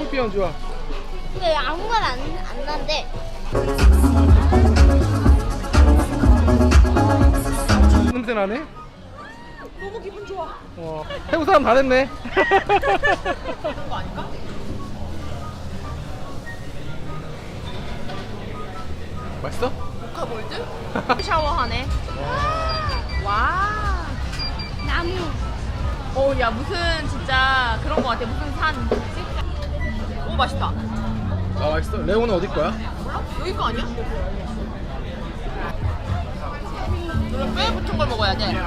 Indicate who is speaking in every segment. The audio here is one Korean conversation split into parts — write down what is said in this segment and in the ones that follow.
Speaker 1: 스콜피언 좋아.
Speaker 2: 왜 아무거나 안 난대?
Speaker 1: 냄새 나네?
Speaker 3: 너무 기분 좋아.
Speaker 1: 태국 사람 다 됐네.
Speaker 3: 그런 거 아닐까?
Speaker 1: 맛있어?
Speaker 3: 모카볼드? 샤워하네. 와.
Speaker 2: 나무.
Speaker 3: 야 무슨 진짜 그런 거 같아. 무슨 산. 오 맛있다.
Speaker 1: 아 맛있어. 레오는 어디 거야?
Speaker 3: 몰라? 여기 거 아니야? 이거 뼈에 붙은 걸 먹어야 돼.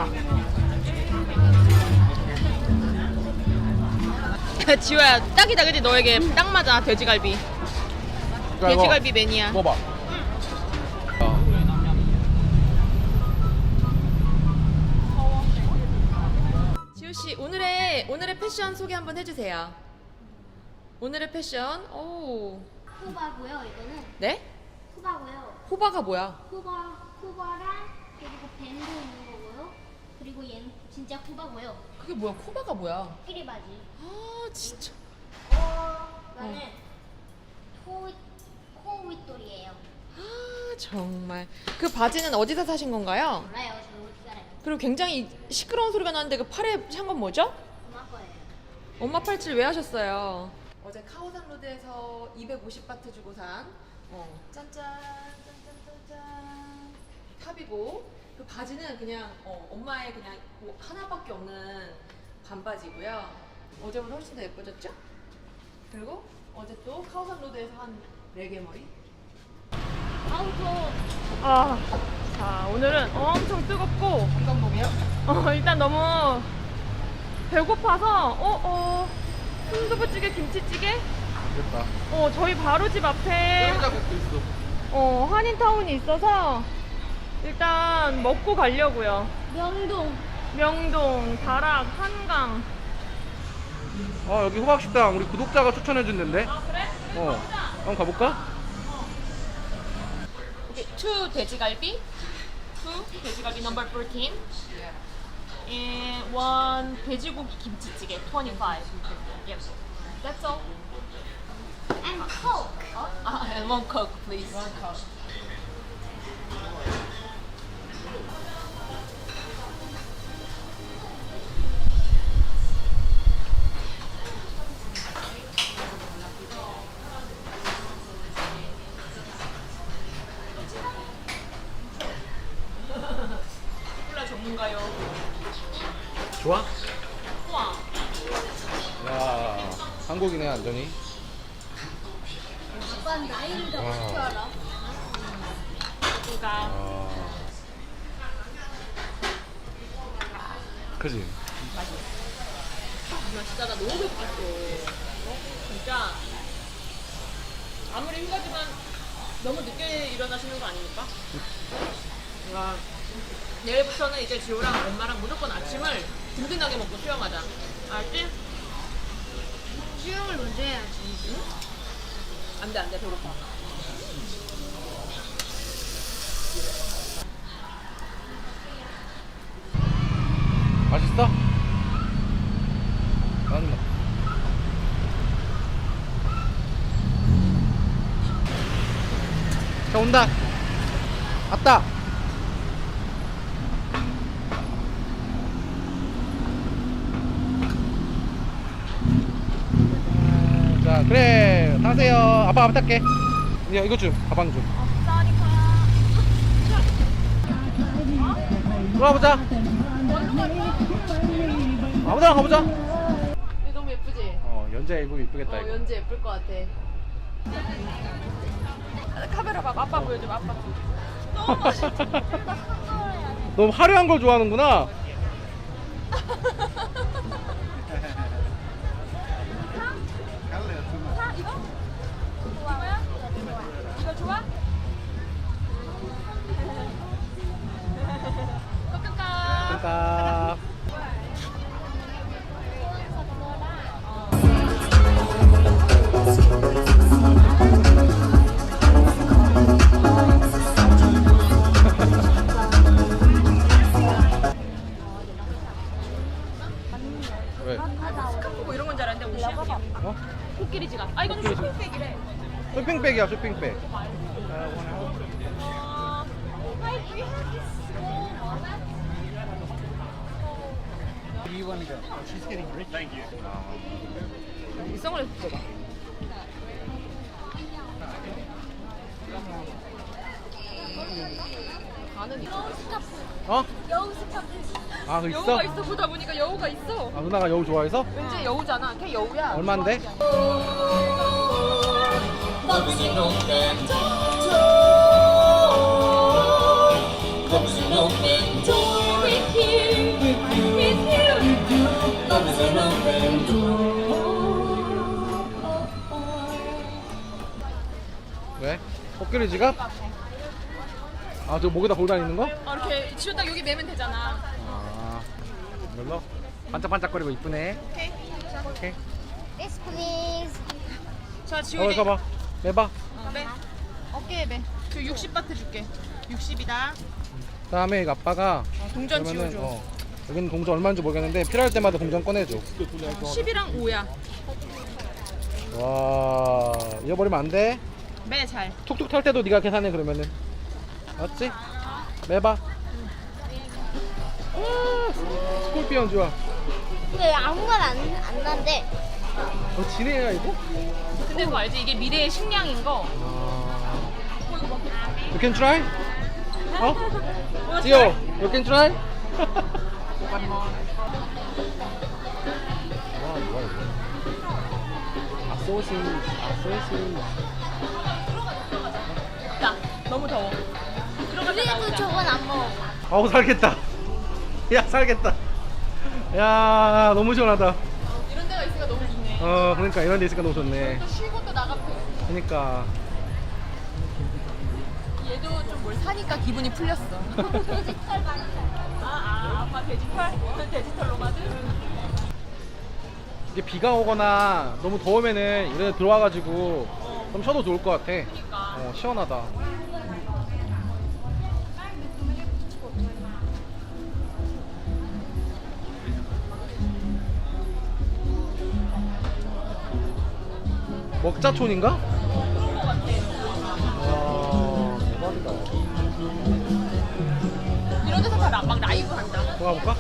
Speaker 3: 지호야 딱이다 그지? 너에게 딱 맞아. 돼지갈비. 돼지갈비 매니아.
Speaker 1: 먹어봐.
Speaker 3: 지호 씨 오늘의 패션 소개 한번 해주세요. 오늘의 패션. 오.
Speaker 2: 후바고요. 이거는
Speaker 3: 네?
Speaker 2: 후바고요.
Speaker 3: 호바가 뭐야?
Speaker 2: 후바랑 그리고 밴드 있는 거고요. 그리고 얘는 진짜 후바고요.
Speaker 3: 그게 뭐야? 코바가 뭐야?
Speaker 2: 끼리 바지.
Speaker 3: 아 진짜.
Speaker 2: 이거는 코윗돌이에요.
Speaker 3: 아 정말. 그 바지는 어디서 사신 건가요?
Speaker 2: 몰라요. 저 어떻게 알아요?
Speaker 3: 그리고 굉장히 시끄러운 소리가 나는데 그 팔에 산 건 뭐죠?
Speaker 2: 엄마 거예요.
Speaker 3: 엄마 팔찌를 왜 하셨어요? 어제 카오산 로드에서 250바트 주고 산 짠짠 짠짠짠짠 탑이고 그 바지는 그냥 엄마의 그냥 뭐 하나밖에 없는 반바지고요. 어제보다 훨씬 더 예뻐졌죠? 그리고 어제 또 카오산 로드에서 한 4개 머리.
Speaker 2: 아우 저
Speaker 3: 자 오늘은 엄청 뜨겁고
Speaker 1: 한강목이야?
Speaker 3: 일단 너무 배고파서 순두부찌개 김치찌개
Speaker 1: 됐다.
Speaker 3: 저희 바로 집 앞에
Speaker 1: 뼈자국도 있어.
Speaker 3: 한인타운이 있어서 일단 먹고 가려고요. 명동, 다락, 한강.
Speaker 1: 아 여기 호박식당 우리 구독자가 추천해준 데인데.
Speaker 3: 아 그래?
Speaker 1: 한번 가볼까?
Speaker 3: 오케이, 2 돼지갈비, 2 돼지갈비 넘버 14, and 1 돼지고기 김치찌개 25. Yep. That's all.
Speaker 2: and coke.
Speaker 3: And 1 Coke, please. 1 Coke. 콜라 전문가요.
Speaker 1: 좋아?
Speaker 3: 우와.
Speaker 1: 야 한국이네 완전히.
Speaker 2: 아빠 나이를 더 어떻게 알아?
Speaker 3: 누가?
Speaker 1: 그지?
Speaker 3: 진짜 나 너무 배고팠어. 진짜 아무리 휴가지만 너무 늦게 일어나시는 거 아닙니까? 와, 내일부터는 이제 지호랑 엄마랑 무조건 아침을 든든하게 먹고 수영하자. 알지?
Speaker 2: 수영을 먼저 해야지.
Speaker 3: 안 돼, 안 돼, 배고파.
Speaker 1: 맛있어? 나는 뭐. 자 온다. 왔다. 자 그래 타세요. 아빠 탈게. 야 이거 좀 가방 좀. 들어가보자. 아무데나 가보자.
Speaker 3: 이거 너무 예쁘지?
Speaker 1: 연재 입으면 이쁘겠다 이거.
Speaker 3: 연재 예쁠 것 같아. 카메라 봐, 아빠 보여줘, 아빠. 너무 멋있어.
Speaker 1: 너무 화려한 걸 좋아하는구나.
Speaker 3: 이거? 이거야? 이거 좋아? 끄끄까.
Speaker 1: 그러니까 왜?
Speaker 3: 스카프 뭐 이런 건 줄 알았는데 옷이야.
Speaker 1: 어?
Speaker 3: 코끼리 지갑. 아 이건 쇼핑백이래.
Speaker 1: 쇼핑백이야, 쇼핑백.
Speaker 3: 이 선글라스 줘봐. 가는
Speaker 2: 여우 스카프.
Speaker 1: 어?
Speaker 2: 여우 스카프.
Speaker 1: 아, 그 있어?
Speaker 3: 여우가 있어 보다 보니까 여우가 있어.
Speaker 1: 아, 누나가 여우 좋아해서?
Speaker 3: 왠지 여우잖아. 걔 여우야.
Speaker 1: 얼만데? 왜? 코끼리 지갑? 아, 저 목에다 걸고 다니는 거?
Speaker 3: 이렇게 지금 딱 여기 매면 되잖아.
Speaker 1: 아, 이걸로? 반짝반짝거리고 이쁘네.
Speaker 3: 오케이.
Speaker 1: 오케이.
Speaker 2: This please.
Speaker 3: 자 지훈이.
Speaker 1: 서봐. 매봐.
Speaker 3: 매. 어깨에 매. 저 60바트 줄게. 60이다.
Speaker 1: 다음에 이거 아빠가
Speaker 3: 동전
Speaker 1: 그러면은,
Speaker 3: 지워줘.
Speaker 1: 여기는 동전 얼마인지 모르겠는데 필요할 때마다 동전 꺼내줘.
Speaker 3: 10이랑 5야.
Speaker 1: 와, 잃어버리면 안 돼.
Speaker 3: 매 잘.
Speaker 1: 툭툭 탈 때도 네가 계산해 그러면은. 맞지? 매봐. 스콜피언 좋아.
Speaker 2: 근데 아무 말 안 난대.
Speaker 1: 지네야 이거?
Speaker 3: 근데 그거 알지? 이게 미래의 식량인 거.
Speaker 1: You can try? 어? 지호, you can try? 와, 뭐야 이거? 소시.
Speaker 3: 야, 너무 더워.
Speaker 2: 그래도 저건 안 먹어.
Speaker 1: 아우 살겠다. 야 살겠다. 야 너무 시원하다.
Speaker 3: 이런 데가 있으니까 너무 좋네.
Speaker 1: 그러니까 이런 데 있으니까 너무 좋네.
Speaker 3: 또 쉬고 또 나가고.
Speaker 1: 그러니까.
Speaker 3: 얘도 좀 뭘 사니까 기분이 풀렸어.
Speaker 2: 돼지털 많이
Speaker 3: 아빠 돼지털? 돼지털 로마드?
Speaker 1: 이게 비가 오거나 너무 더우면은 이런 데 들어와가지고 좀 쉬어도 좋을 것 같아.
Speaker 3: 그러니까.
Speaker 1: 시원하다. 먹자촌인가?
Speaker 3: 그런 거 같아.
Speaker 1: 와 대박이다.
Speaker 3: 이런 데서 다 막 라이브 한다.
Speaker 1: 들어가 볼까?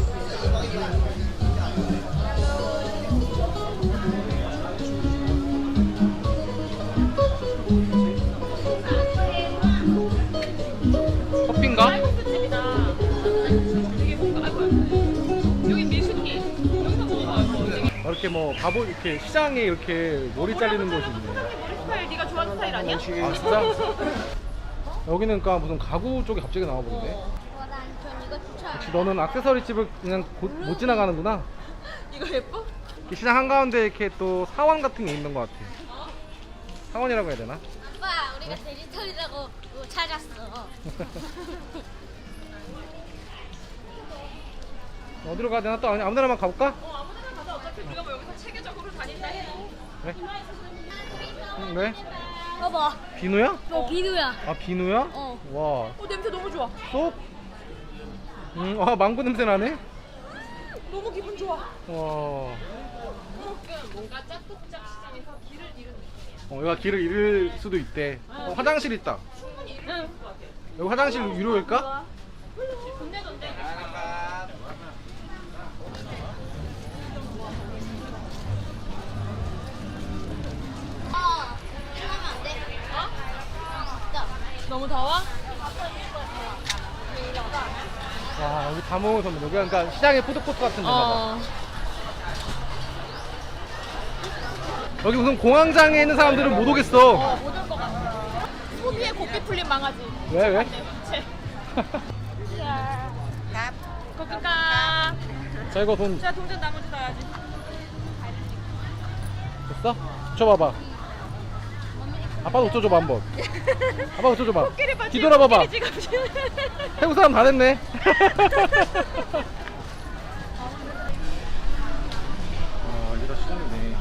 Speaker 1: 커피인가?
Speaker 3: 쌀국수집이다. 되게 뭔가 아이고 여기 밀수기. 여기서 먹어봐. 되게
Speaker 1: 이렇게 뭐 가보 이렇게 시장에 이렇게 머리 잘리는 곳이 있네.
Speaker 3: 머리 스타일 네가 좋아하는 스타일 아니야?
Speaker 1: 아 진짜? 여기는 그러니까 무슨 가구 쪽이 갑자기 나와 보는데.
Speaker 2: 전 이거 추천.
Speaker 1: 혹시 너는 액세서리 집을 그냥 못 지나가는구나.
Speaker 3: 이거 예뻐?
Speaker 1: 이 시장 한가운데 이렇게 또 사원 같은 게 있는 것 같아. 사원이라고 해야 되나?
Speaker 2: 아빠, 우리가 돼지털이라고 찾았어.
Speaker 1: 어디로 가야 되나? 또 아무 데나만 가볼까?
Speaker 3: 아무 데나 가자. 어차피 우리가 뭐 여기서 체계적으로 다닌다 해도.
Speaker 1: 그래? 왜?
Speaker 2: 봐봐.
Speaker 1: 비누야?
Speaker 2: 너 비누야.
Speaker 1: 아 비누야?
Speaker 2: 어.
Speaker 1: 와
Speaker 3: 냄새 너무 좋아.
Speaker 1: 쏙? 아 망고 냄새 나네?
Speaker 3: 너무 기분 좋아.
Speaker 1: 와
Speaker 3: 뭔가 짝뚝짝 시장에서 길을 잃은 느낌이야.
Speaker 1: 여기가 길을 잃을 수도 있대. 화장실 있다.
Speaker 3: 충분히 잃을 수 있을 것 같아.
Speaker 1: 여기 화장실 유료일까?
Speaker 3: 좋네던데.
Speaker 2: 하면 안 돼.
Speaker 3: 너무 더워?
Speaker 1: 와 여기 다 모여서 여기 그러니까 시장의 푸드코트 같은 데가 봐. 여기 무슨 공황장애 있는 사람들은 못 오겠어.
Speaker 3: 못 올 것 같아. 소비에 고삐 풀린 망아지.
Speaker 1: 왜 왜?
Speaker 3: 제. 거기가.
Speaker 1: 자 이거 돈
Speaker 3: 자 동전 나머지 넣어야지.
Speaker 1: 됐어? 줘봐봐. 아빠도 웃겨줘봐 한번. 아빠 웃겨줘봐.
Speaker 3: 코끼리 바지.
Speaker 1: 뒤돌아봐봐.
Speaker 3: 코끼리 지갑.
Speaker 1: 태국 사람 다 됐네. 아 여기가 시장이네.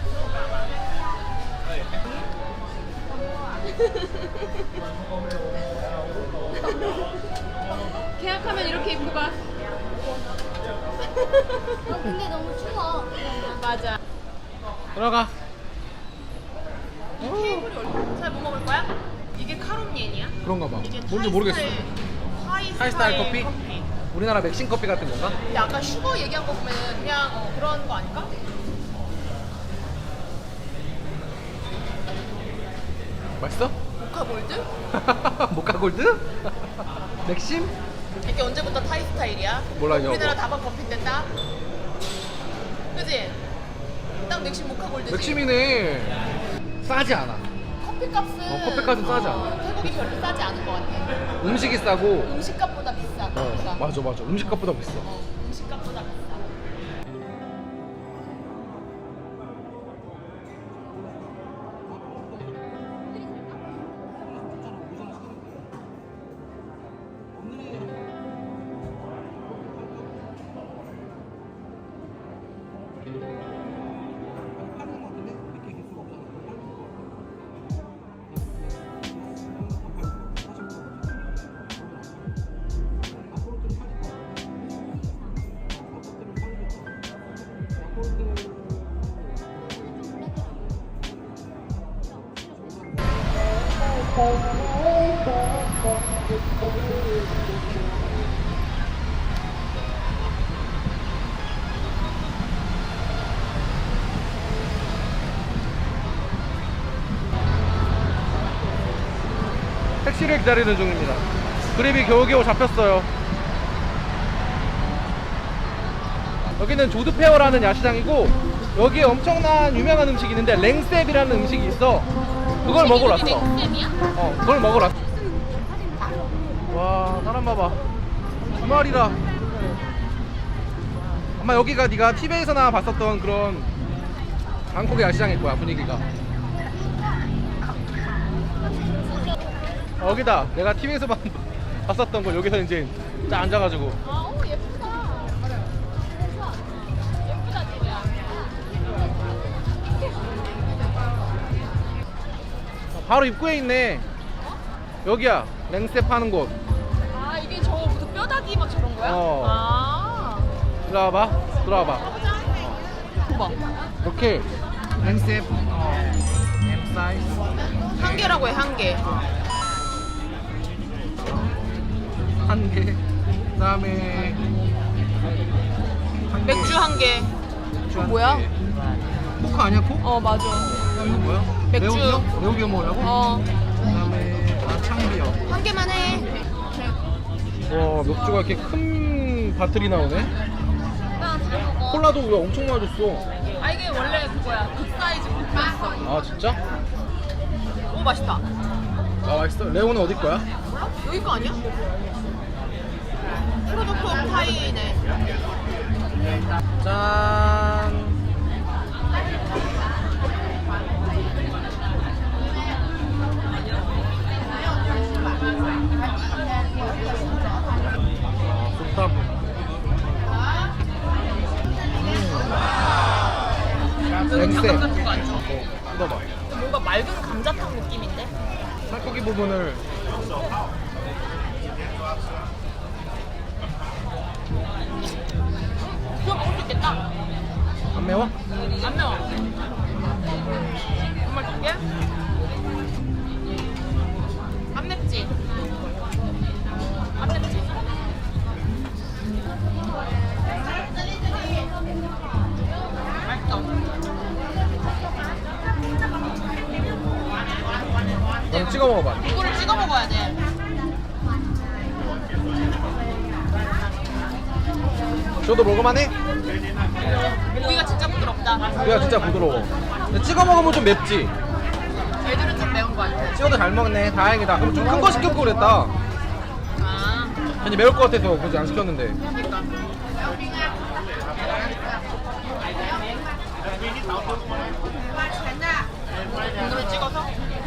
Speaker 3: 계약하면 이렇게 입고 가.
Speaker 2: 근데 너무 추워.
Speaker 3: 맞아.
Speaker 1: 들어가.
Speaker 3: 테이블이 얼마? 잘못 먹을 거야? 이게 카롬옌이야?
Speaker 1: 그런가 봐.
Speaker 3: 이게
Speaker 1: 뭔지 모르겠어.
Speaker 3: 하이스타일
Speaker 1: 커피? 우리나라 맥심 커피 같은 건가?
Speaker 3: 근데 아까 슈거 얘기한 거 보면 그냥 그런 거 아닐까?
Speaker 1: 맛있어?
Speaker 3: 모카 골드?
Speaker 1: 모카 골드? 맥심?
Speaker 3: 이게 언제부터 타이 스타일이야?
Speaker 1: 몰라, 이거.
Speaker 3: 우리나라 다방 커피인데 딱? 그지? 딱 맥심 모카 골드지?
Speaker 1: 맥심이네. 싸지 않아.
Speaker 3: 커피값은
Speaker 1: 커피값은 싸지 않아.
Speaker 3: 태국이 별로 싸지 않은 것 같아.
Speaker 1: 음식이 싸고.
Speaker 3: 음식값보다 비싸. 커피가.
Speaker 1: 맞아. 음식값보다 비싸.
Speaker 3: 음식값보다 비싸.
Speaker 1: 택시를 기다리는 중입니다. 그랩이 겨우겨우 잡혔어요. 여기는 조드페어라는 야시장이고 여기에 엄청난 유명한 음식이 있는데 랭셉이라는 음식이 있어. 그걸 먹으러 왔어. 그걸 먹으러 왔어. 와, 사람 봐봐. 주말이라. 아마 여기가 네가 TV에서나 봤었던 그런 방콕의 야시장일 거야, 분위기가. 여기다 내가 TV에서 봤었던 걸 여기서 이제 딱 앉아가지고.
Speaker 3: 아, 오 예쁘다. 예쁘다 지우야.
Speaker 1: 바로 입구에 있네. 여기야, 랭셉 파는 곳.
Speaker 3: 아 이게 저 무슨 뼈다귀 막 저런 거야?
Speaker 1: 어.
Speaker 3: 아.
Speaker 1: 들어와봐. 들어와봐.
Speaker 3: 봐봐.
Speaker 1: 이렇게 랭셉 M 사이즈
Speaker 3: 한 개라고 해 한 개.
Speaker 1: 한 개. 그다음에 한 개.
Speaker 3: 맥주 한 개.
Speaker 1: 맥주 한
Speaker 3: 뭐야?
Speaker 1: 개. 코크 아니야, 코?
Speaker 3: 어 맞아.
Speaker 1: 이거 뭐야?
Speaker 3: 맥주.
Speaker 1: 매우비어? 매우비어 먹으려고?
Speaker 3: 어.
Speaker 1: 그다음에 창비어.
Speaker 3: 한 개만 해.
Speaker 1: 와, 맥주가 이렇게 큰 바틀이 나오네. 콜라도 왜 엄청 많이 줬어?
Speaker 3: 아 이게 원래 그거야. 그 사이즈 코크였어.
Speaker 1: 아, 진짜?
Speaker 3: 오 맛있다.
Speaker 1: 아, 맛있어. 레오는 어디 거야?
Speaker 3: 몰라? 여기 거 아니야? 프로토코 파이네.
Speaker 1: 짠. 아, 좋다. 랭셉.
Speaker 3: 같은 거 안 줘.
Speaker 1: 뜯어봐.
Speaker 3: 뭔가 맑은 감자탕 느낌인데?
Speaker 1: 살코기 부분을
Speaker 3: 그거 먹을 수 있겠다.
Speaker 1: 안 매워?
Speaker 3: 안 매워. 정말 좋게? 안 맵지? 안 맵지? 맛있어.
Speaker 1: 그럼 찍어 먹어봐.
Speaker 3: 이거를 찍어 먹어야 돼.
Speaker 1: 저도 먹을만해?
Speaker 3: 고기가 진짜 부드럽다.
Speaker 1: 고기가 진짜 부드러워. 근데 찍어 먹으면 좀 맵지?
Speaker 3: 애들은 좀 매운 거 같아.
Speaker 1: 찍어도 잘 먹네. 다행이다. 그럼 좀 큰 거 시켰고 그랬다.
Speaker 3: 아,
Speaker 1: 괜히 매울 것 같아서 굳이 안 시켰는데.
Speaker 3: 그러니까. 오늘 찍어서?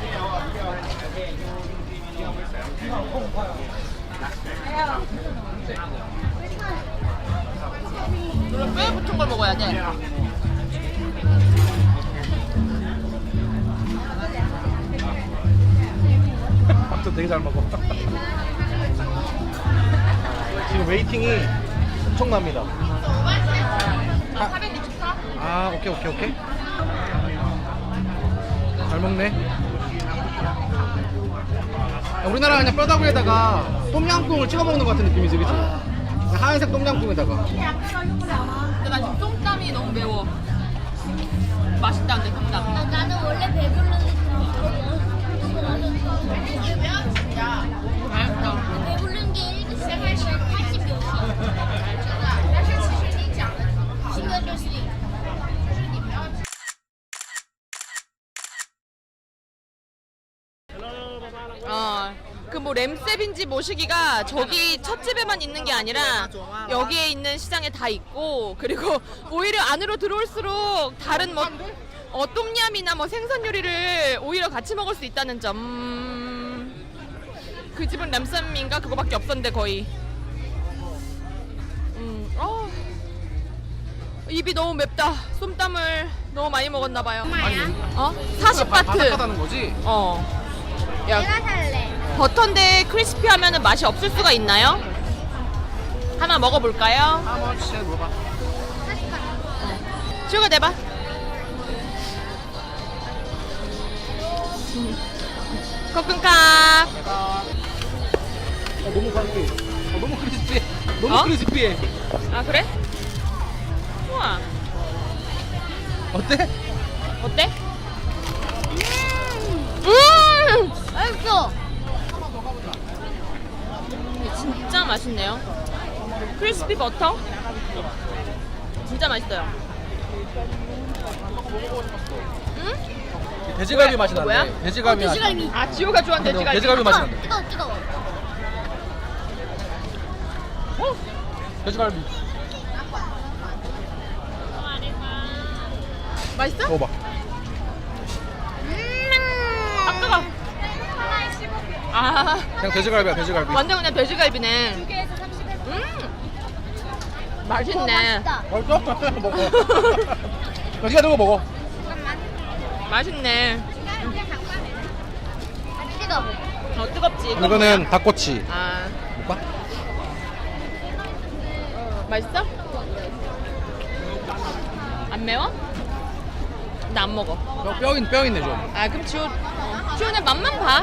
Speaker 3: 이거 뼈에 붙은 걸 먹어야 돼.
Speaker 1: 밥도 되게 잘 먹어. 지금 웨이팅이 엄청납니다.
Speaker 3: 464?
Speaker 1: 아, 오케이. 잘 먹네. 야, 우리나라 그냥 뼈다구에다가 똠양꿍을 찍어 먹는 것 같은 느낌이지, 그치? 그냥 하얀색 똠양꿍에다가.
Speaker 3: 근데 나 지금 쏨땀이 너무 매워. 맛있다 근데 쏨땀.
Speaker 2: 나는 원래 배부르는데
Speaker 3: 맛있다.
Speaker 2: 배부른 게 80 몇이야. 신경 쓸 있어.
Speaker 3: 그 뭐 램셉인지 모시기가 저기 첫 집에만 있는 게 아니라 여기에 있는 시장에 다 있고, 그리고 오히려 안으로 들어올수록 다른 뭐 똠얌이나 뭐 생선 요리를 오히려 같이 먹을 수 있다는 점. 그 집은 램셉인가 그거밖에 없었는데 거의. 입이 너무 맵다. 쏨땀을 너무 많이 먹었나 봐요. 어? 40바트.
Speaker 1: 바삭하다는 거지?
Speaker 3: 야,
Speaker 2: 내가 살래.
Speaker 3: 버터인데 크리스피 하면은 맛이 없을 수가 있나요? 하나 먹어볼까요?
Speaker 1: 한번 진짜 물어봐.
Speaker 3: 슈가 내봐. 코쿤캅.
Speaker 1: 너무 크리스피. 너무 크리스피해. 너무
Speaker 3: 어?
Speaker 1: 크리스피해.
Speaker 3: 아 그래? 우와.
Speaker 1: 어때?
Speaker 3: 어때?
Speaker 2: 맛있어.
Speaker 3: 진짜 맛있네요. 크리스피 버터? 진짜 맛있어요. 응?
Speaker 1: 돼지갈비 맛이 나네.
Speaker 3: 뭐야?
Speaker 1: 돼지갈비 맛.
Speaker 2: 돼지갈비.
Speaker 3: 아 지호가 좋아하는 돼지갈비.
Speaker 1: 돼지갈비 맛이 나네.
Speaker 2: 뜨거워.
Speaker 1: 돼지갈비.
Speaker 3: 맛있어?
Speaker 1: 먹어봐.
Speaker 3: 아 뜨거. 아
Speaker 1: 그냥 돼지갈비야, 돼지갈비.
Speaker 3: 완전 그냥 돼지갈비네.
Speaker 2: 2개에서 30원.
Speaker 3: 맛있네.
Speaker 2: 맛있다.
Speaker 1: 맛있어? 먹어. 네가 들고 먹어.
Speaker 3: 맛있네.
Speaker 2: 뜨거워.
Speaker 3: 뜨겁지. 이건
Speaker 1: 이거는
Speaker 3: 뭐야?
Speaker 1: 닭꼬치.
Speaker 3: 아
Speaker 1: 볼까?
Speaker 3: 맛있어? 안 매워? 나 안 먹어.
Speaker 1: 뼈 있네 좀.
Speaker 3: 아 그럼 지호는 맛만 봐.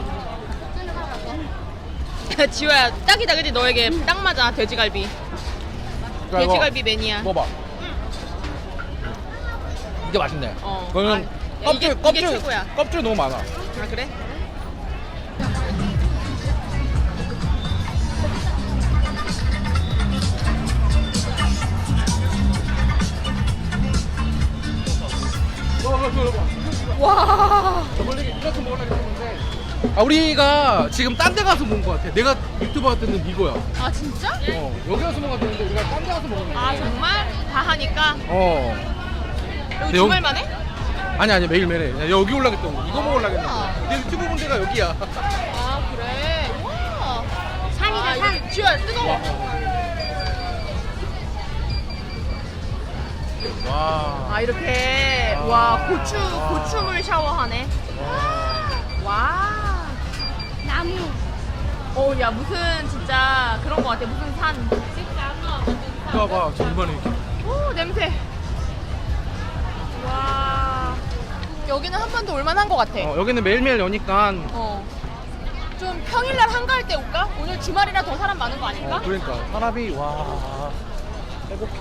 Speaker 3: 지호야 딱이다 그지? 너에게 딱 맞아. 돼지갈비.
Speaker 1: 자, 이거
Speaker 3: 돼지갈비 매니아.
Speaker 1: 먹어봐. 이게 맛있네.
Speaker 3: 어.
Speaker 1: 이거는
Speaker 3: 아, 이게 최고야.
Speaker 1: 껍질 너무 많아.
Speaker 3: 아 그래? 와.
Speaker 1: 이렇게 먹으려고 했는데. 아 우리가 지금 딴 데 가서 먹은 것 같아. 내가 유튜브 할 때는 이거야.
Speaker 3: 아 진짜?
Speaker 1: 여기 가서 먹어야 되는데 우리가 딴 데 가서 먹은 거야.
Speaker 3: 아 정말? 다 하니까?
Speaker 1: 근데
Speaker 3: 여기 주말만 해?
Speaker 1: 아니 매일매일 해. 야, 여기 올라겠던 거. 이거 먹으려고 했는데.
Speaker 3: 우와.
Speaker 1: 내 유튜브 본 데가 여기야.
Speaker 3: 아 그래? 와.
Speaker 2: 산이다, 산.
Speaker 3: 여기 지호야 뜨거워.
Speaker 1: 와.
Speaker 3: 아 이렇게 와 고추물 샤워하네. 와.
Speaker 2: 나무.
Speaker 3: 야 무슨 진짜 그런 거 같아. 무슨 산.
Speaker 1: 이거 봐봐. 정말 이렇게.
Speaker 3: 오 냄새. 와. 여기는 한 번도 올만한 것 같아.
Speaker 1: 여기는 매일매일 여니까.
Speaker 3: 좀 평일날 한가할 때 올까? 오늘 주말이라 더 사람 많은 거 아닐까?
Speaker 1: 그러니까 사람이 와 행복해.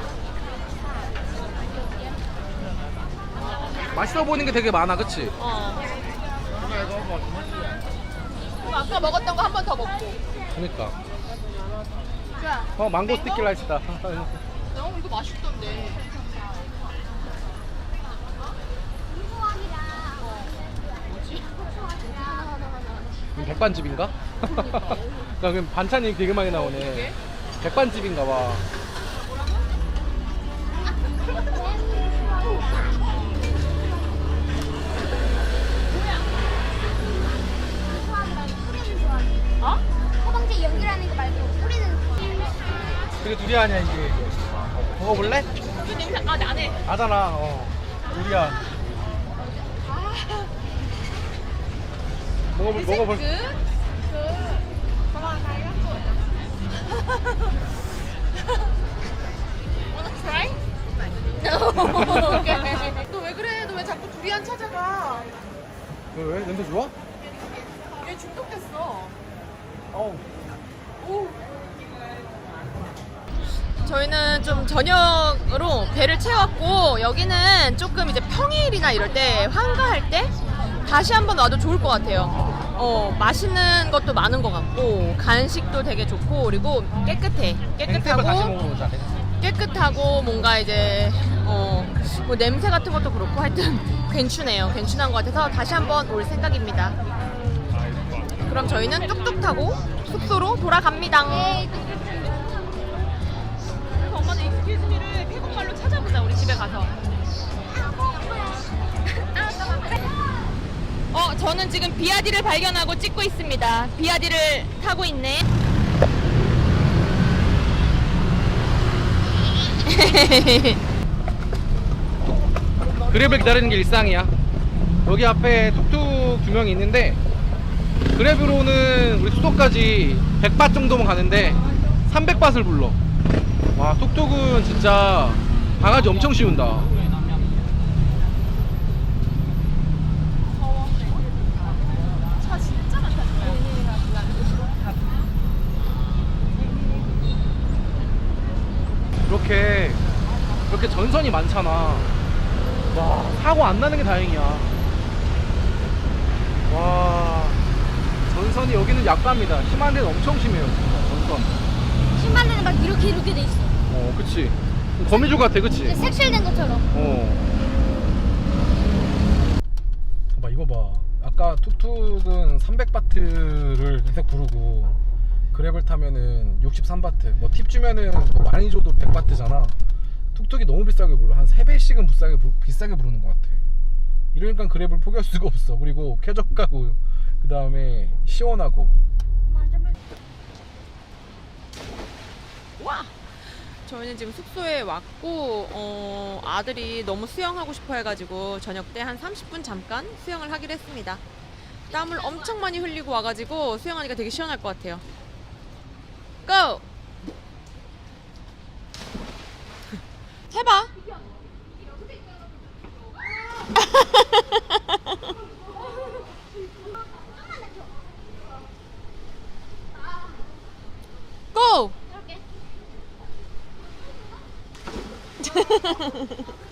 Speaker 1: 맛있어 보이는 게 되게 많아, 그치?
Speaker 3: 그럼 아까 먹었던 거 한 번 더 먹고.
Speaker 1: 그러니까.
Speaker 3: 좋아.
Speaker 1: 망고 스티키 라이스다.
Speaker 3: 이거 맛있던데.
Speaker 1: 백반집인가? 그럼 반찬이 되게 많이 나오네. 백반집인가 봐.
Speaker 2: 어? 허방지 연기라는 거 말고 뿌리는.
Speaker 1: 그게 두리안이야 이게. 먹어볼래?
Speaker 3: 이 냄새 나네.
Speaker 1: 나잖아. 두리안. 먹어볼.
Speaker 3: Wanna try? 너 왜 그래? 너 왜 자꾸 두리안 찾아가?
Speaker 1: 왜? 냄새 좋아?
Speaker 3: 얘 중독됐어.
Speaker 1: 어우.
Speaker 3: 저희는 좀 저녁으로 배를 채웠고 여기는 조금 이제 평일이나 이럴 때 한가할 때 다시 한번 와도 좋을 것 같아요. 맛있는 것도 많은 것 같고 간식도 되게 좋고 그리고 깨끗해.
Speaker 1: 땡땡을 다시 먹어보자.
Speaker 3: 깨끗하고 뭔가 이제 뭐 냄새 같은 것도 그렇고 하여튼 괜찮네요. 괜찮은 것 같아서 다시 한번 올 생각입니다. 그럼 저희는 뚝뚝 타고 숙소로 돌아갑니다. 그래서 엄마는 익스큐즈미를 태국말로 찾아보자. 우리 집에 가서. 저는 지금 비아디를 발견하고 찍고 있습니다. 비아디를 타고 있네.
Speaker 1: 그랩을 기다리는 게 일상이야. 여기 앞에 툭툭 2명이 있는데 그랩으로는 우리 수도까지 100밭 정도만 가는데 300밭을 불러. 와, 툭툭은 진짜 바가지 엄청 씌운다.
Speaker 3: 차 진짜 많다.
Speaker 1: 이렇게 전선이 많잖아. 와, 사고 안 나는 게 다행이야. 와, 전선이 여기는 약갑니다. 심한 데는 엄청 심해요, 진짜, 전선.
Speaker 2: 신발 데는 막 이렇게 돼 있어.
Speaker 1: 그치. 거미줄 같아, 그치?
Speaker 2: 색칠된 것처럼.
Speaker 1: 봐, 이거 봐. 아까 툭툭은 300바트를 계속 부르고 그랩을 타면은 63바트. 뭐 팁 주면은 뭐 많이 줘도 100바트잖아. 툭툭이 너무 비싸게 불러. 한 3배씩은 비싸게 부르는 것 같아. 이러니까 그랩을 포기할 수가 없어. 그리고 쾌적하고 그 다음에 시원하고.
Speaker 3: 와! 저희는 지금 숙소에 왔고 아들이 너무 수영하고 싶어 해가지고 저녁 때 한 30분 잠깐 수영을 하기로 했습니다. 땀을 엄청 많이 흘리고 와가지고 수영하니까 되게 시원할 것 같아요. 고! 해봐. 고!